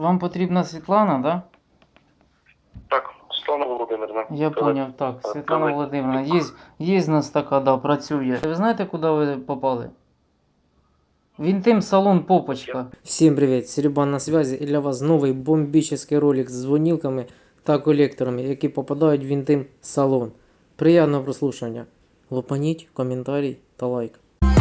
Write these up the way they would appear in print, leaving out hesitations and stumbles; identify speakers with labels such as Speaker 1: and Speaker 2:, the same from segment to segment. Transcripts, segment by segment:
Speaker 1: Вам потрібна Світлана, да?
Speaker 2: Так, Світлана Володимирівна.
Speaker 1: Я поняв, так. Світлана Володимирівна. Є з нас така, да, працює. Ви знаєте, куди ви попали? Винтим-салон Попочка.
Speaker 3: Всем привет, Серебан на связи, і для вас новий бомбічний ролик з дзвонілками та колекторами, які попадають в Вінтим салон. Приємного прослушання. Лопаніть, коментарій та лайк.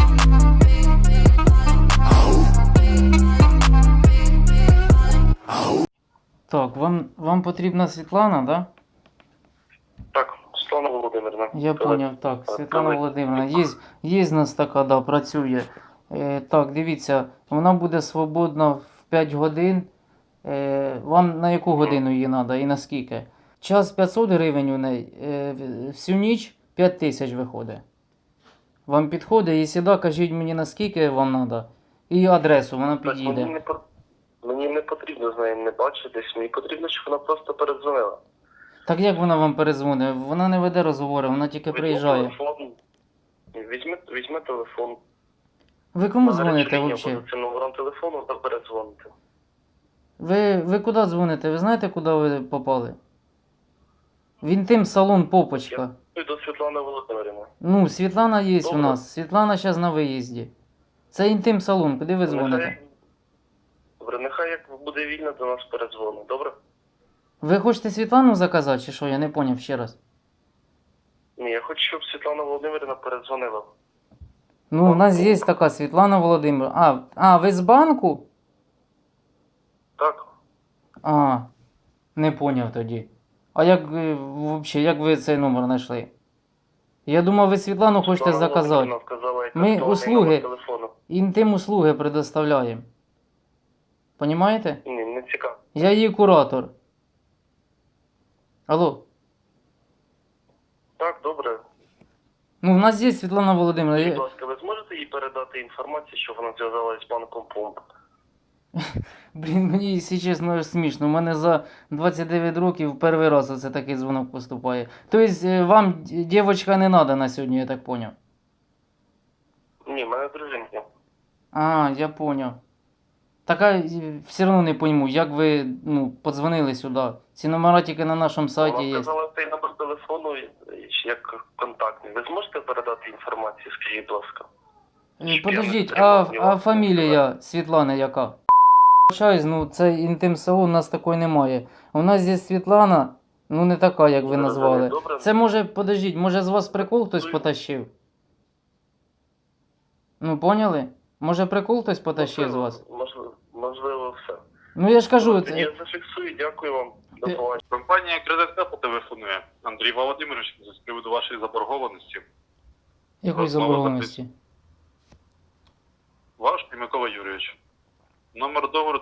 Speaker 1: Так, вам потрібна Світлана, да?
Speaker 2: Так, Світлана Володимирівна.
Speaker 1: Я поняв, так. Світлана Володимирівна. Є з нас така, да, працює. Так, дивіться, вона буде свободна в 5 годин. Вам на яку годину її треба і на скільки? Час 500 гривень у неї, всю ніч 5 тисяч виходить. Вам підходить і сюди кажіть мені на скільки вам треба. І адресу, вона підійде.
Speaker 2: Мені не потрібно з нею не бачитись, мені потрібно, щоб вона просто передзвонила.
Speaker 1: Так як вона вам перезвонить? Вона не веде розговори, вона тільки приїжджає.
Speaker 2: Візьме телефон.
Speaker 1: Ви кому дзвоните взагалі?
Speaker 2: Це номером телефону та передзвоните.
Speaker 1: Ви куди дзвоните? Ви знаєте, куди ви попали? Вінтим-салон Попочка.
Speaker 2: Я до Світлани Володимирівни.
Speaker 1: Ну, Світлана є у
Speaker 2: Добре.
Speaker 1: нас. Світлана зараз на виїзді. Це інтим-салон, куди ви дзвоните?
Speaker 2: Добре, нехай як буде вільно, до нас передзвонить, добре?
Speaker 1: Ви хочете Світлану заказати, чи що? Я не поняв ще раз.
Speaker 2: Ні, я хочу, щоб Світлана Володимирівна передзвонила.
Speaker 1: Ну, у нас є така Світлана Володимирівна. Ви з банку?
Speaker 2: Так.
Speaker 1: Не поняв тоді. А як взагалі, як ви цей номер знайшли? Я думав, ви Світлану хочете
Speaker 2: Світлана
Speaker 1: заказати.
Speaker 2: Володимирівна вказала, яка
Speaker 1: Ми
Speaker 2: актуальний
Speaker 1: услуги.
Speaker 2: номер телефону.
Speaker 1: Інтим-услуги предоставляємо. Понімаєте?
Speaker 2: Ні, не цікаво.
Speaker 1: Я її куратор. Алло.
Speaker 2: Так, добре.
Speaker 1: Ну, в нас є Світлана Володимирівна.
Speaker 2: Будь ласка, ви зможете їй передати інформацію, що вона зв'язалась з банком Помп?
Speaker 1: Блін, мені, якщо чесно, аж смішно. У мене за 29 років перший раз оце такий дзвонок поступає. Тобто, вам дівчинка не треба на сьогодні, я так поняв.
Speaker 2: Ні, в мене дружинка.
Speaker 1: Я поняв. Так, все одно не пойму, як ви, подзвонили сюди. Ці номера тільки на нашому сайті
Speaker 2: Вона
Speaker 1: є.
Speaker 2: вказала цей номер телефону як контактний. Ви зможете передати інформацію, скажіть, будь ласка?
Speaker 1: Подождіть, а фамілія Світлани яка? Вибачаюсь, це інтим-салон, у нас такої немає. У нас є Світлана, не така, як ви назвали.
Speaker 2: Добре.
Speaker 1: Це може з вас прикол хтось потащив? Ну, поняли? Може прикол хтось потащив з вас?
Speaker 2: Можливо, все.
Speaker 1: Ну я ж кажу,
Speaker 2: Я зафіксую, дякую вам. До
Speaker 1: Ти-
Speaker 2: побачення.
Speaker 4: Компанія «Кредит-Капо» телефонує. Андрій Володимирович, з приводу вашої заборгованості.
Speaker 1: якої заборгованості?
Speaker 4: Ваш і Микола Юрійович. Номер договору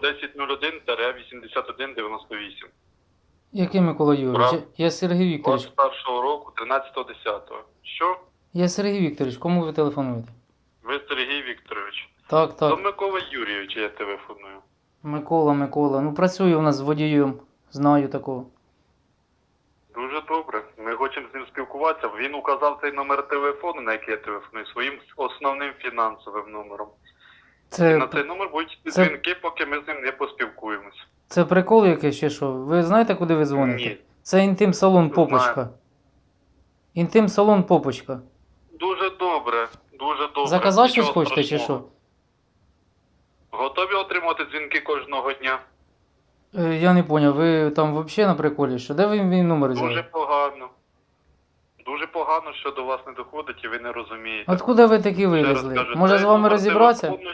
Speaker 4: 1001-8198.
Speaker 1: Який Микола Юрійович?
Speaker 4: Прав.
Speaker 1: Я Сергій Вікторович.
Speaker 4: 21 року, 13.10. Що?
Speaker 1: Я Сергій Вікторович, кому ви телефонуєте?
Speaker 4: Ви Сергій Вікторович.
Speaker 1: Так.
Speaker 4: До Миколи Юрійовича я телефоную.
Speaker 1: Микола. Ну працює у нас з водієм, знаю такого.
Speaker 4: Дуже добре. Ми хочемо з ним спілкуватися. Він указав цей номер телефону, на який я телефоную, своїм основним фінансовим номером. І на цей номер будуть дзвінки, поки ми з ним не поспілкуємось.
Speaker 1: Це прикол якийсь чи що? Ви знаєте, куди ви дзвоните?
Speaker 4: Ні.
Speaker 1: Це інтим-салон
Speaker 4: Знаю.
Speaker 1: Попочка. Інтим-салон Попочка.
Speaker 4: Дуже добре.
Speaker 1: Заказати щось
Speaker 4: Нічого
Speaker 1: хочете чи
Speaker 4: страшного.
Speaker 1: що?
Speaker 4: Готові отримати дзвінки кожного дня?
Speaker 1: Я не поняв, ви там взагалі на приколі, що? Де ви мій номер
Speaker 4: Дуже
Speaker 1: взяли?
Speaker 4: погано. Дуже погано, що до вас не доходить і ви не розумієте.
Speaker 1: Откуда ви такі
Speaker 4: Ще раз
Speaker 1: вилізли?
Speaker 4: кажу,
Speaker 1: Може
Speaker 4: цей
Speaker 1: з вами
Speaker 4: номер
Speaker 1: розібратися?
Speaker 4: телефону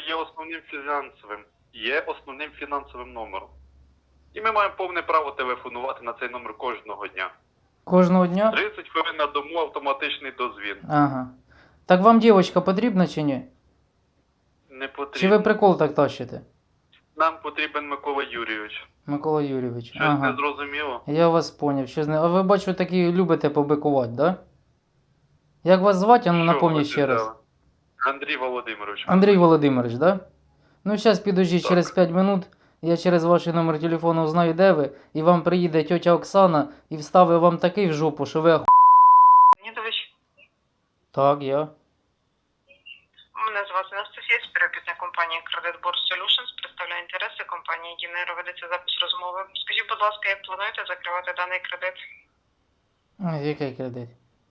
Speaker 4: є основним фінансовим номером. І ми маємо повне право телефонувати на цей номер кожного дня.
Speaker 1: Кожного дня?
Speaker 4: 30 хвилин на дому автоматичний дозвін.
Speaker 1: Ага. Так вам дівчинка потрібна чи ні?
Speaker 4: Не
Speaker 1: Чи
Speaker 4: потрібно.
Speaker 1: ви прикол так тащите?
Speaker 4: Нам потрібен Микола Юрійович.
Speaker 1: Микола Юрійович.
Speaker 4: Щось не зрозуміло?
Speaker 1: Я вас поняв. А ви бачу такі любите побикувати, да? Як вас звати? Ну
Speaker 4: Що
Speaker 1: напомніть
Speaker 4: ви
Speaker 1: ще раз.
Speaker 4: взяли? Андрій Володимирович.
Speaker 1: Андрій Володимирович, да? Ну, зараз підождіть,
Speaker 4: Так.
Speaker 1: через 5 минут я через ваш номер телефону узнаю, де ви, і вам приїде тьотя Оксана і вставить вам такий в жопу, що ви
Speaker 5: Леонідович,
Speaker 1: Так, я.
Speaker 5: мене звати Анастасія, співробітник компанії Credit Board Solutions, представляю представляю інтереси компанії Дінеро. Ведеться запис розмови. Скажіть, будь ласка, як плануєте закривати даний кредит?
Speaker 1: Який кредит?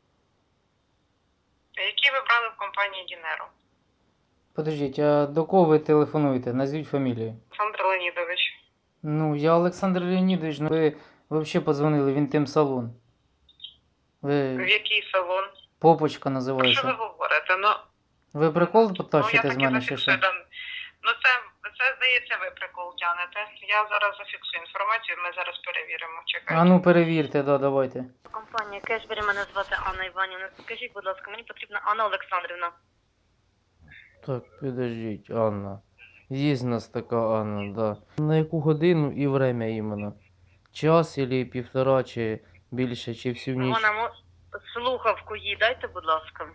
Speaker 5: Який ви брали в компанії Дінеро?
Speaker 1: Подождіть, а до кого ви телефонуєте? Назвіть фамілію.
Speaker 5: Олександр Леонідович.
Speaker 1: Ну, я Олександр Леонідович, ну ви взагалі подзвонили в інтим-салон.
Speaker 5: В
Speaker 1: Ви
Speaker 5: який салон?
Speaker 1: Попочка
Speaker 5: Про що ви
Speaker 1: називається.
Speaker 5: говорите? Ну,
Speaker 1: Ви прикол
Speaker 5: я
Speaker 1: потащите з
Speaker 5: таки
Speaker 1: мене чи що?
Speaker 5: зафіксую. Ну, це, здається, ви прикол тянете. Я зараз зафіксую інформацію, ми зараз перевіримо. Чекайте.
Speaker 1: А ну перевірте, да, давайте.
Speaker 6: Компанія Кешбері, мене звати Анна Іванівна. Скажіть, будь ласка, мені потрібна Анна Олександрівна.
Speaker 1: Так, підождіть, Анна. Є в нас така Анна, да. На яку годину і время іменно? Час или півтора, чи більше, чи всю ніч?
Speaker 6: Слухавку їй дайте, будь ласка.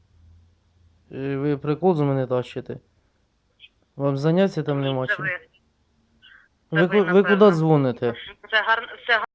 Speaker 1: Ви прикол з мене тащите? Вам заняття там нема
Speaker 6: Це
Speaker 1: чим?
Speaker 6: ви.
Speaker 1: Ви
Speaker 6: ви,
Speaker 1: куди
Speaker 6: напевно.
Speaker 1: дзвоните?
Speaker 6: Це гарно, все